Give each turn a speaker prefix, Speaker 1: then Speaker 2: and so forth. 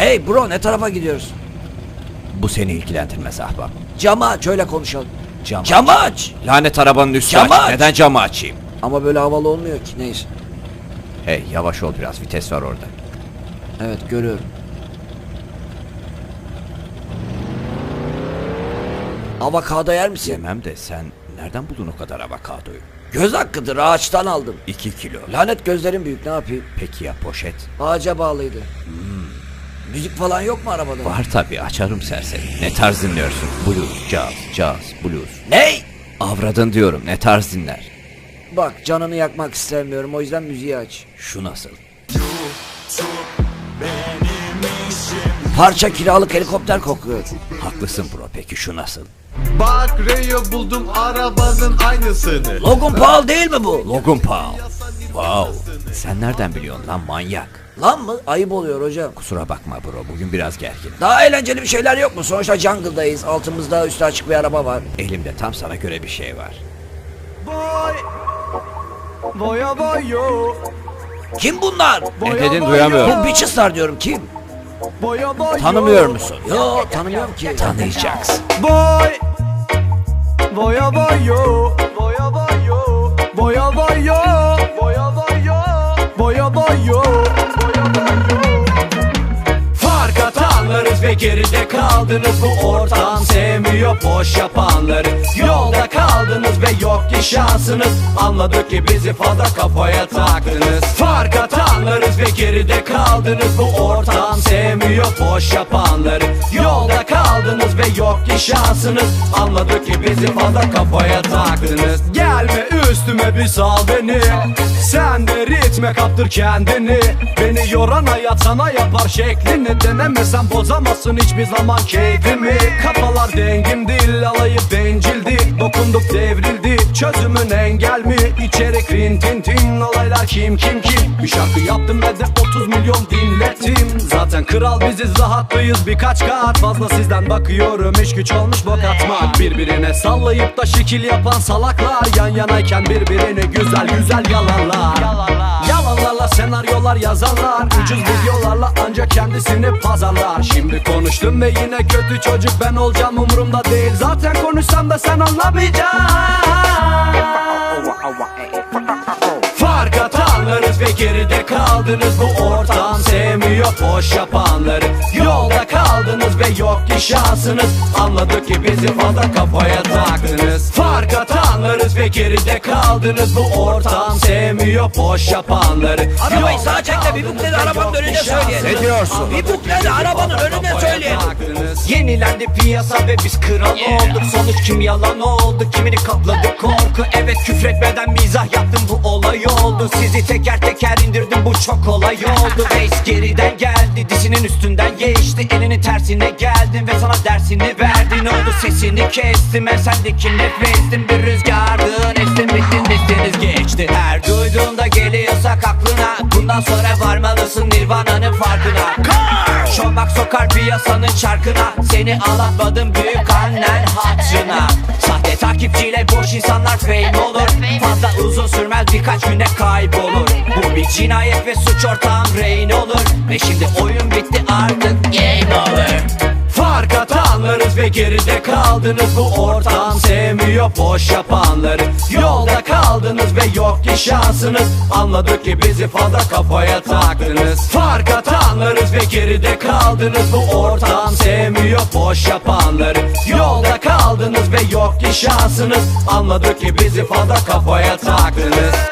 Speaker 1: Hey bro, ne tarafa gidiyoruz?
Speaker 2: Bu seni ilgilendirmez ahbap.
Speaker 1: Camı aç, öyle konuşalım.
Speaker 2: Camı aç. Lanet arabanın üstü
Speaker 1: Camı
Speaker 2: aç.
Speaker 1: aç.
Speaker 2: Neden camı açayım?
Speaker 1: Ama böyle havalı olmuyor ki, neyse.
Speaker 2: Hey yavaş ol biraz, vites var orada.
Speaker 1: Evet, görüyorum. Avokado yer misin?
Speaker 2: Yemem de sen nereden buldun o kadar avokadoyu?
Speaker 1: Göz hakkıdır, ağaçtan aldım.
Speaker 2: 2 kilo.
Speaker 1: Lanet gözlerim büyük, ne yapayım?
Speaker 2: Peki ya poşet?
Speaker 1: Ağaca bağlıydı. Müzik falan yok mu arabada?
Speaker 2: Var tabi, açarım serseri. Ne tarz dinliyorsun? Blues, jazz, blues.
Speaker 1: Ney?
Speaker 2: Avradın diyorum, ne tarz dinler?
Speaker 1: Bak, canını yakmak istemiyorum, o yüzden müziği aç.
Speaker 2: Şu nasıl?
Speaker 1: Parça kiralık helikopter kokuyor.
Speaker 2: Haklısın bro, peki şu nasıl?
Speaker 3: Bak Rayo buldum arabanın aynısını.
Speaker 1: Logan Paul değil mi bu?
Speaker 2: Logan Paul. Wow. Sen nereden biliyorsun lan manyak?
Speaker 1: Lan mı? Ayıp oluyor hocam.
Speaker 2: Kusura bakma bro, bugün biraz gergin.
Speaker 1: Daha eğlenceli bir şeyler yok mu? Sonuçta jungle'dayız. Altımızda üstü açık bir araba var.
Speaker 2: Elimde tam sana göre bir şey var.
Speaker 3: Boy. Boya boyo.
Speaker 1: Kim bunlar?
Speaker 2: Ne dedin duyamıyorum.
Speaker 1: Bu bitches'lar diyorum, kim?
Speaker 3: Boya boyo.
Speaker 2: Tanımıyor musun?
Speaker 1: Yo, tanımıyorum ki.
Speaker 2: Tanıyacaksın.
Speaker 3: Boy. Boya boyo. Boya boyo. Boya boyo. Boya boyo. Boya boyo. Fark atanlarız ve geride kaldınız. Bu ortam sevmiyor boş yapanları. Yolda kaldınız ve yok ki şansınız. Anladık ki bizi fazla kafaya taktınız. Fark atanlarız ve geride kaldınız. Bu ortam sevmiyor boş yapanları. Yolda kaldınız ve yok ki şansınız. Anladık ki bizi fazla kafaya taktınız. Gelme üstüme bir sal beni. Sen de ritme kaptır kendini. Beni yoran hayat sana yapar şeklini. Denemesen bozamazsın hiçbir zaman keyfimi. Kafalar dengim değil, alayıp bencildi. Dokunduk devrildi, çözümün engel mi? İçerik rintintin, olaylar kim. Bir şarkı yaptım ve de 30 milyon dinlettim. Zaten kral biziz, rahatlıyız birkaç kat. Fazla sizden bakıyorum, iş güç olmuş bok atmak. Birbirine sallayıp da şekil yapan salaklar. Yan yanayken birbirini güzel yalanlar. Yalanlarla senaryolar yazarlar. Ucuz videolarla ancak kendisini pazarlar. Şimdi konuştum ve yine kötü çocuk ben olacağım, umurumda değil. Zaten konuşsam da sen anlamayacaksın. Fark atanlarız ve geride kaldınız. Bu ortam sevmiyor boş yapanları. Yolda kaldınız ve yok ki şansınız. Anladık ki bizi fazla kafaya taktınız. Fark atanlarız ve geride kaldınız. Bu ortam sevmiyor boş yapanları.
Speaker 1: Arabayı sağa çek de bir bukleri arabanın önüne söyleyelim.
Speaker 2: Ne diyorsun?
Speaker 1: Bir bukleri arabanın önüne söyleyelim.
Speaker 4: Yenilendi piyasa ve biz kral olduk. Sonuç kim yalan oldu, kimini kapladı korku. Evet küfretmeden mizah yaptım, bu olay oldu. Sizi teker teker indirdim, bu çok kolay oldu. Reis geriden geldi, dizinin üstünden geçti. Elini tersine geldin ve sana dersini verdi. Ne oldu sesini kestim, ben sendeki nefestim. Bir rüzgardın estin bittin destiniz geçti. Her duyduğunda geliyorsak aklına, bundan sonra varmalısın Nirvana'nın farkına. Şomak sokar piyasanın çarkına. Seni ağlatmadım büyük annen hatırına. Sahte takipçiyle boş insanlar fame olur. Fazla uzun sürmez, birkaç güne kaybolur. Bu bir cinayet ve suç ortağım rehin olur. Ve şimdi oyun bitti artık game over.
Speaker 3: Fark atanlarız ve geride kaldınız. Bu ortam sevmiyor boş yapanları. Yolda kaldınız ve yok ki şansınız. Anladık ki bizi fazla kafaya taktınız. Fark atanlarız ve geride kaldınız. Bu ortam sevmiyor boş yapanları. Yolda kaldınız ve yok ki şansınız. Anladık ki bizi fazla kafaya taktınız.